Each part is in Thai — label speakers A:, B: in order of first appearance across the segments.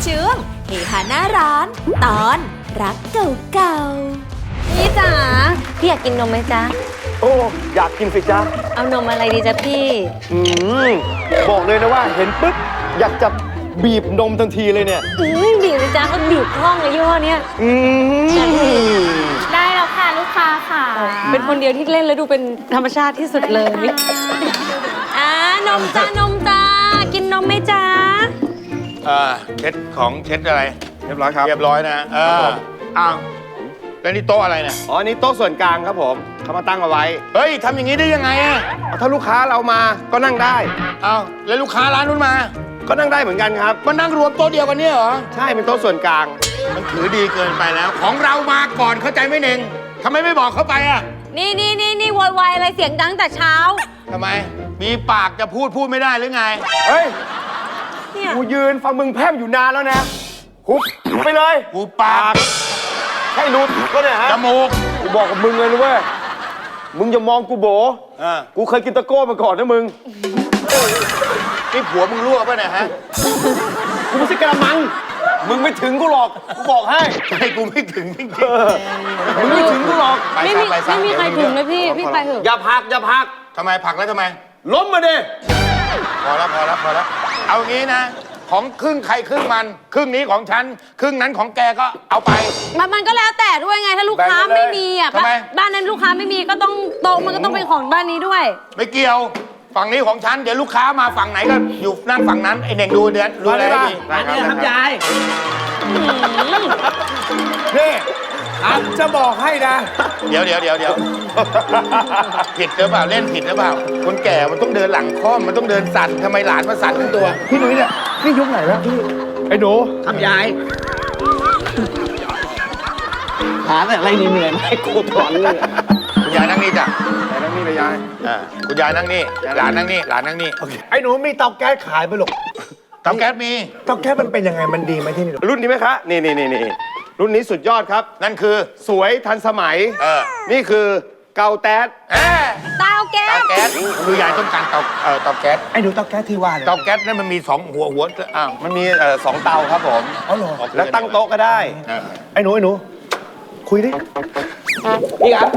A: ช่วงเฮฮาหน้าร้านตอนรักเก่าๆพี่จ๋าพี่อยากกินนมไหมจ๊ะ
B: โอ้อยากกินสิจ๊ะ
A: เอานมอะไรดีจ๊ะพี่
B: บอกเลยนะว่าเห็นปุ๊บอยากจะบีบนมทันทีเลยเนี่ย
A: บีบเลยจ้าก็บีบคล่องเลยยี่ห้อเนี้ย
C: ได้แล้วค่ะลูกค้าค่ะ
A: เป็นคนเดียวที่เล่นแล้วดูเป็นธรรมชาติที่สุดเลยนมจ้ากินนมไหมจ๊ะ
D: เช็ดของเช็ดอะไร
B: เรียบร้อยครับ
D: เรียบร้อยนะอ้าวแล้วนี่โต๊ะอะไรเนี่ย
B: อ๋ออันนี้โต๊ะส่วนกลางครับผมเขามาตั้งเอาไว้
D: เฮ้ยทำอย่างนี้ได้ยังไงอะ
B: ถ้าลูกค้าเรามาก็นั่งได้
D: อ้าวแล้วลูกค้าร้านนู้นมา
B: ก็นั่งได้เหมือนกันครับ
D: มานั่งรวมโต๊ะเดียวกันเนี่ยเหรอ
B: ใช่เป็นโต๊ะส่วนกลาง
D: มันถือดีเกินไปแล้วของเรามาก่อนเข้าใจไหมเน่งทำไมไม่บอกเขาไปอะ
A: นี่วายอะไรเสียงดังแต่เช้า
D: ทำไมมีปากจะพูดไม่ได้หรือไง
B: เฮ้ยกูยืนฟังมึงแพร่มอยู่นานแล้วนะหุบไปเลย
D: หูปาก
B: ใช่รูดก็เนี่ยฮะ
D: จมูก
B: กูบอกกับมึงเลยนะเว้ยมึงอย่ามองกูโบกูเคยกินตะโก้มาก่อนนะมึง
D: นี่ผัวมึงรั่วป่ะเนี่ยฮะ
B: กูไม่ใช่กระมังมึงไม่ถึงกูหรอกกูบอกให้
D: กูไม่ถึงจริง
B: มึงไม่ถึงกูหรอก
A: ไม่มีใครถึงเลยพี่ไปเถอะ
B: อย่าพัก
D: ทำไมผลักแล้วทำไม
B: ล้มมาดิ
D: พอแล้วเอางี้นะของครึ่งใครครึ่งมันครึ่งนี้ของฉันครึ่งนั้นของแกก็เอาไป
A: มันก็แล้วแต่ด้วยไงถ้าลูกค้าไม่มีอ่ะบ้านนั้นลูกค้าไม่มีก็ต้องโต๊ะมันก็ต้องเป็นของบ้านนี้ด้วย
D: ไม่เกี่ยวฝั่งนี้ของฉันเดี๋ยวลูกค้ามาฝั่งไหนก็อยู่นั่นฝั่งนั้นไอเน่งดูอะไรดี
B: นี่ครับยายนี่จะบอกให้นะ
D: เดี๋ยวผิดหรือเปล่าเล่นผิดหรือเปล่าคนแก่มันต้องเดินหลังค่อมมันต้องเดินสั่นทำไมหลานมาสั่นทั้งตัว
B: พี่นุ้ยเนี่ยนี่ยุคไหนแล้วพี่ไอ้หนู
E: ครับยายหาแต่อะไรเหนื่อยไม่กูถอนเลย
D: คุณยายนั่งนี่จ้ะ
B: ยายนั่งนี่เลยยาย
D: คุณยายนั่งนี่หลานนั่งนี่
B: ไอ้หนูมีเตาแก๊สขายไปหรอก
D: เตาแก๊สมี
B: เตาแก๊สมันเป็นยังไงมันดีไหมที่นี่รุ่นนี้ไหมคะนี่รุ่นนี้สุดยอดครับ
D: นั่นคือ
B: สวยทันสมัยนี่คือเกาแต๊ด
A: เตาแก๊ส
D: คือยายต้องการเตาแก๊ส
B: ไอ้หนูเตาแก๊สที่ว่า
D: เตาแก๊สนั่นมันมี2หัว
B: มันมี2เตาครับผม
D: อ๋อเหรอ
B: แล้วตั้งโต๊ะก็ได้ไอ้หนูคุยดิ
E: พี่ครับ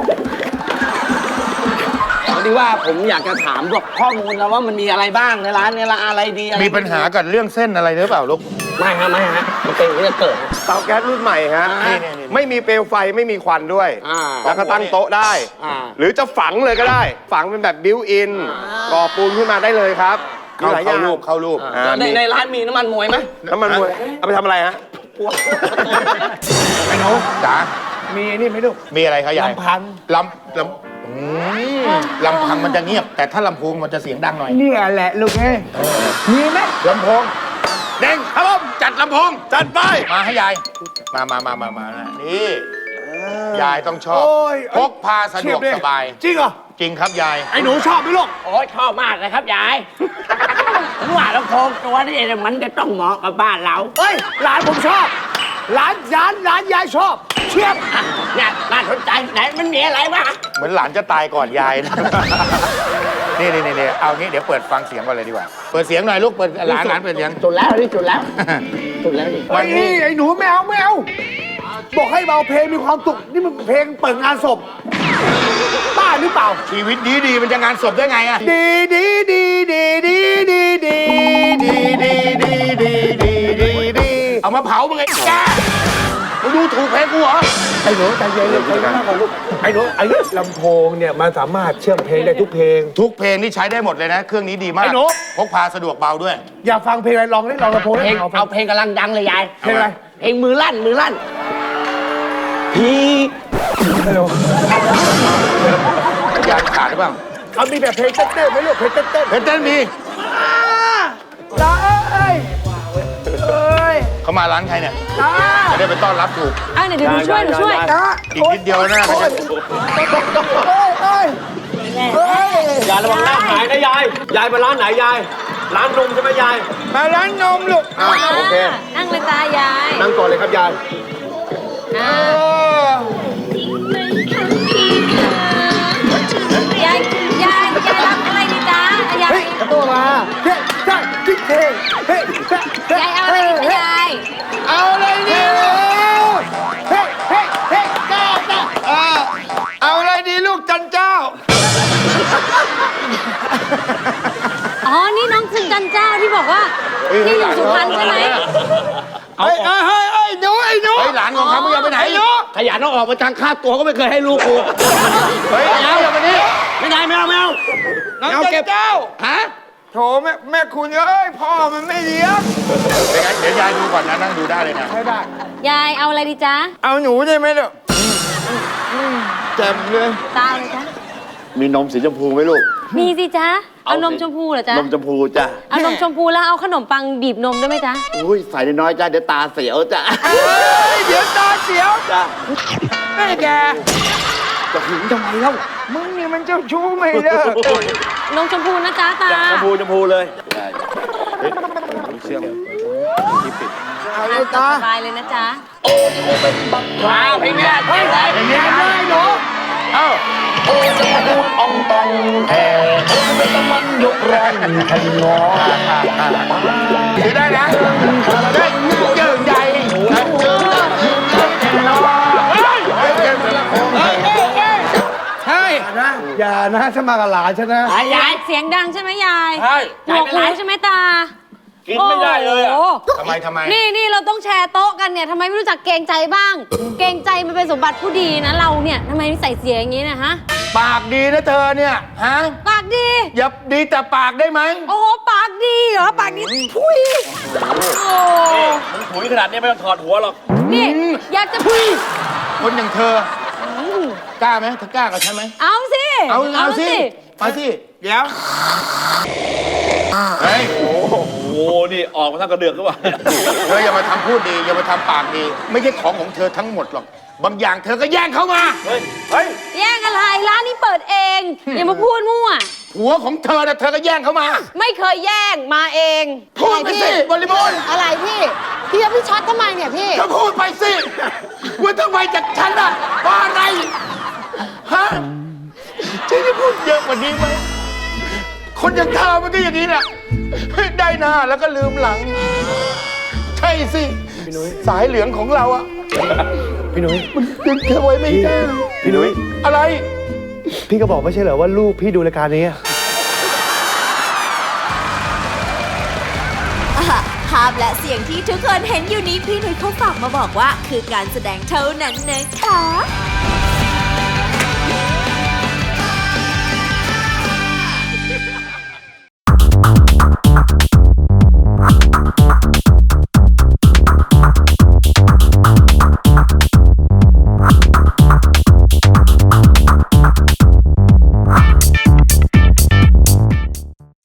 E: พอดีว่าผมอยากจะถามพวกข้อมูลแล้วว่ามันมีอะไรบ้างในร้านเนี่ยอะไรดี
D: มีปัญหากับเรื่องเส้นอะไรหรือเปล่าลูก
E: ไม่ฮะมันเป็นเรื่องเกิด
B: เตาแก๊สรุ่นใหม่ฮะไม่มีเปลวไฟไม่มีควันด้วยแล้วก็ตั้งโต๊ะได้หรือจะฝังเลยก็ได้ฝังเป็นแบบบิวอินก่อปูนขึ้นมาได้เลยครับ
D: เข้ารูป
E: ในร้านมีน้ำมันมวยไหม
B: น้ำมันมวยเอาไปทำอะไรฮะ
D: ไอ้หนูจ๋า
B: มีนี่ไหมลูก
D: มีอะไรครับยาย
B: ลำพัง
D: ลำพังมันจะเงียบแต่ถ้าลำโพงมันจะเสียงดังหน่อย
B: นี่แหละลูกเอ้มีไหม
D: ลำโพงเด้งครับผมจัดลำโพง
B: จัดไป
D: มาให้ยายมานี่ยายต้องชอบพกพาสะดวกสบาย
B: จริงเหรอ
D: จริงครับยาย
B: ไอ้หนูชอบไหมลูก
E: โอ้ยชอบมากเลยครับยายผมว่าลำโพงตัวนี้มันจะต้องเหมาะกับบ้านเรา
B: เฮ้ยหลานผมชอบหลานยายชอบเชียบ
E: เนี่ยน่าสนใจไหนมันมีอะไรวะ
D: เหมือนหลานจะตายก่อนยายนี่เอางี้เดี๋ยวเปิดฟังเสียงก่อนเลยดีกว่าเปิดเสียงหน่อยลูกเปิดหลานเปิดเสียง
E: จุดแล้ว
B: วันนี้ไอ้หนูแมวบอกให้เบาเพลงมีความสุขนี่มันเพลงเปิดงานศพบ้าหรือเปล่า
D: ชีวิตดีมันจะงานศพได้ไงอะ
B: ดี
D: เอามาเผามึงไงแกมึงดูถูกเพลงกูเหรอ
B: ไอ้หนูใจเย็นเลยใจเย็นมากกว่าลูกไอ้หนูไอ้ลำโพงเนี่ยมันสามารถเชื่อมเพลงได้ทุกเพลง
D: นี่ใช้ได้หมดเลยนะเครื่องนี้ดีมาก
B: ไอ้หนู
D: พกพาสะดวกเบาด้วย
B: อยากฟังเพลงอะไรลองได้ลองลำโพง
E: เอาเพลงกำลังดังเลยยาย
B: เพลงอะไร
E: เพลงมือลั่นพี่
D: ยายขาดหรือเปล่า
B: เขามีแบบเพลงเต้นไหมลูกเพลงเต้น
D: มี
B: จ้าเอ้ย
D: เขามาร้านใครเนี่ยจะได้ไปต้อนรับถูก
A: เดี๋ยวหนูช่วย
D: อีกนิดเดียวนะ
B: ยายระวังหน้าหายนะยายมาร้านไหนยายร้านนมใช่ไหมยายมาร้านนมลูกโอเค
A: นั่งเลยจ้ายาย
B: นั่งก่อนเลยครับยาย
A: ยายรับอะไรดีจ้ายาย
B: ตัวมาเฮ้ยจิ๊กเฮ้ย
A: ยายเอาอะไรดียายอ๋อ นี่น้องคุณจันเจ้าที่บอกว่าที่อยู่สุพรรณใช่ไหม
E: เอา
D: เฮ้ยหลานของเขามึงอย่าไปไหน
E: ขยันเอาออกมาทางค่าตัวก็ไม่เคยให้ลูกกู
D: เฮ้ยเอาอย่ามานี่
E: ไม่ได้ไม่เอาไม่เอา
C: น้องจันเจ้า
E: ฮะ
C: โถแม่คุณเอ้ยพ่อมันไม่เลี้ยง
D: เป็นไงเดี๋ยวยายดูก่อนนะนั่งดูได้เลยนะ
C: ไม่ได้
A: ยายเอาอะไรดีจ๊ะ
C: เอาหนูได้ไหมเนี่ยเจ็บเลย
A: ตาเลยจ๊ะ
F: มีนมสีชมพูไหมลูก
A: มีสิจ๊ะ เอา
F: เอาสิ
A: นมชมพูเหรอจ๊ะ
F: นมชมพูจ้ะ
A: เอานมชมพูแล้วเอาขนมปังบีบนมด้วยไหมจ๊ะ
F: อุ้ยใส่น้อยๆจ้ะเดี๋ยวตาเสียวจ้ะ
C: เฮ้ยเดี๋ยวตาเสียว
F: จ้ะ
C: แม่แก
F: จะหึงทำไมเล่า
C: มึงนี่มันเจ้าชู้ไม่เลิก
A: นมชมพูนะจ๊ะตา
F: ชมพูเลย
C: เอาเลยตา
A: สบายเลยนะจ๊ะ
E: ว้าวเพลงเนี้ยเฮ้ย
D: อย่างนี้ได้หนูเอ้า
E: องตองแผ่ไม่ต้องมันยกแรงขยอ
D: ถือได้นะเฮ้ยเจิงใหญ่ใช่
B: อย่านะถ้ามากับหลานฉันนะ
E: ยาย
A: เสียงดังใช่ไหมยาย
E: ใช่
A: หนวกหูใช่ไหมตา
E: กินไม่ได้เลยอ่ะ
A: โอ้โห
D: ทำไม
A: นี่เราต้องแชร์โต๊ะกันเนี่ยทำไมไม่รู้จักเกรงใจบ้าง เกรงใจมันเป็นสมบัติผู้ดีนะเราเนี่ยทำไมใส่เสียอย่างนี้นะฮะ
D: ปากดีนะเธอเนี่ยฮะ
A: ปากดี
D: อย่าดีแต่ปากได้ไหม
A: โอ้โหปากดีเหรอปากดีพุยโอ้
E: มึงถุยขนาดนี้ไม่ต้องถอดหัวหรอก
A: นี่อยากจะพุย
D: คนอย่างเธอกล้าไหมเธอกล้ากับฉันไหม
A: เอาสิ
D: เอาสิมาสิ
C: เดี๋ยว
D: เฮ้ย
E: โอ้โหนี่ออกมาทั้งกระเดือกหรือเปล่า
D: เธออย่ามาทำพูดดีอย่ามาทำปากดี ไม่ใช่ของของเธอทั้งหมดหรอกบางอย่างเธอก็แย่งเข้ามา
A: แย่งอะไรร้านนี้เปิดเองอย่ามาพูดมั่ว
D: ผัวของเธอนะเธอก็แย่งเข้ามา
A: ไม่เคยแย่งมาเอง
D: พูดไปสิบริบูรณ์
A: อะไรพี่พี่ช็อตทำไมเนี่ยพี่
D: ก็พูดไปสิว่าทำไมจากฉันอ่ะว่าอะไรฮะฉันจะพูดเยอะกว่านี้ไหมคนอย่างเธอมันก็อย่างนี้แหละได้หน้าแล้วก็ลืมหลัง ใช่สิสายเหลืองของเราอะ
B: พี่นุ้ย
D: มันดึงเธอไว้ไม่ได้
B: พี่นุ้ย
D: อะไร
B: พี่ก็บอกไม่ใช่เหรอว่าลูกพี่ดูรายการนี้อะ
G: ภาพและเสียงที่ทุกคนเห็นอยู่นี้พี่หนุ่ยเขาฝากมาบอกว่าคือการแสดงเท่านั้นนะคะ